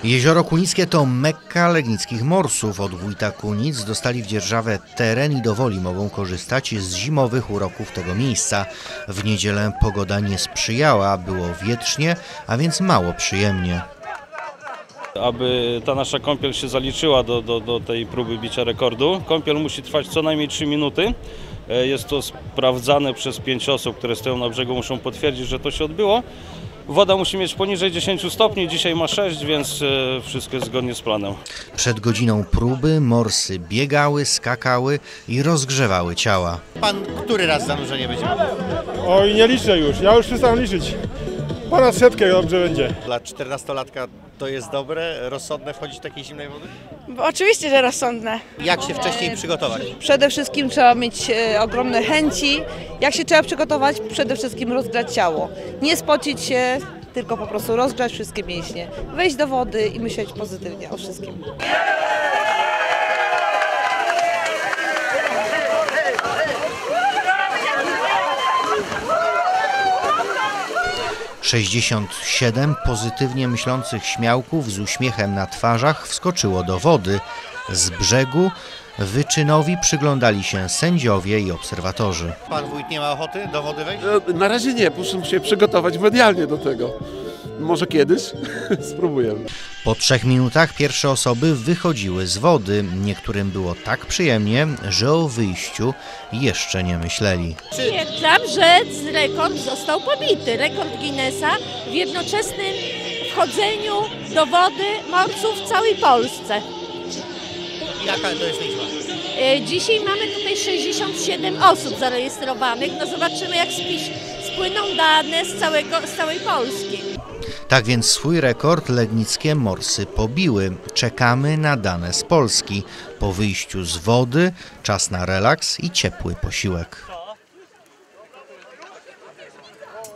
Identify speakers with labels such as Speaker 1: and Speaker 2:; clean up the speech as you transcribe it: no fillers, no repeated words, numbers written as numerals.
Speaker 1: Jezioro Kunickie to Mekka legnickich morsów. Od wójta Kunic dostali w dzierżawę teren i dowoli mogą korzystać z zimowych uroków tego miejsca. W niedzielę pogoda nie sprzyjała, było wietrznie, a więc mało przyjemnie.
Speaker 2: Aby ta nasza kąpiel się zaliczyła do tej próby bicia rekordu, kąpiel musi trwać co najmniej 3 minuty. Jest to sprawdzane przez 5 osób, które stoją na brzegu, muszą potwierdzić, że to się odbyło. Woda musi mieć poniżej 10 stopni, dzisiaj ma 6, więc wszystko jest zgodnie z planem.
Speaker 1: Przed godziną próby morsy biegały, skakały i rozgrzewały ciała.
Speaker 3: Pan który raz zanurzenie będzie miał?
Speaker 4: Oj, nie liczę już, ja już przestałem liczyć. Ponad 100 dobrze będzie.
Speaker 3: Dla 14-latka to jest dobre, rozsądne wchodzić do takiej zimnej wody?
Speaker 5: Oczywiście, że rozsądne.
Speaker 3: Jak się wcześniej przygotować?
Speaker 5: Przede wszystkim trzeba mieć ogromne chęci. Jak się trzeba przygotować? Przede wszystkim rozgrzać ciało. Nie spocić się, tylko po prostu rozgrzać wszystkie mięśnie. Wejść do wody i myśleć pozytywnie o wszystkim.
Speaker 1: - 67 pozytywnie myślących śmiałków z uśmiechem na twarzach wskoczyło do wody. Z brzegu wyczynowi przyglądali się sędziowie i obserwatorzy.
Speaker 3: Pan wójt nie ma ochoty do wody wejść?
Speaker 6: Na razie nie, muszę się przygotować medialnie do tego. Może kiedyś spróbujemy.
Speaker 1: Po 3 minutach pierwsze osoby wychodziły z wody. Niektórym było tak przyjemnie, że o wyjściu jeszcze nie myśleli.
Speaker 7: Stwierdzam, że rekord został pobity. Rekord Guinnessa w jednoczesnym wchodzeniu do wody morsów w całej Polsce.
Speaker 3: Jaka to jest liczba?
Speaker 7: Dzisiaj mamy tutaj 67 osób zarejestrowanych. No zobaczymy, jak spłyną dane z całej Polski.
Speaker 1: Tak więc swój rekord legnickie morsy pobiły. Czekamy na dane z Polski. Po wyjściu z wody czas na relaks i ciepły posiłek.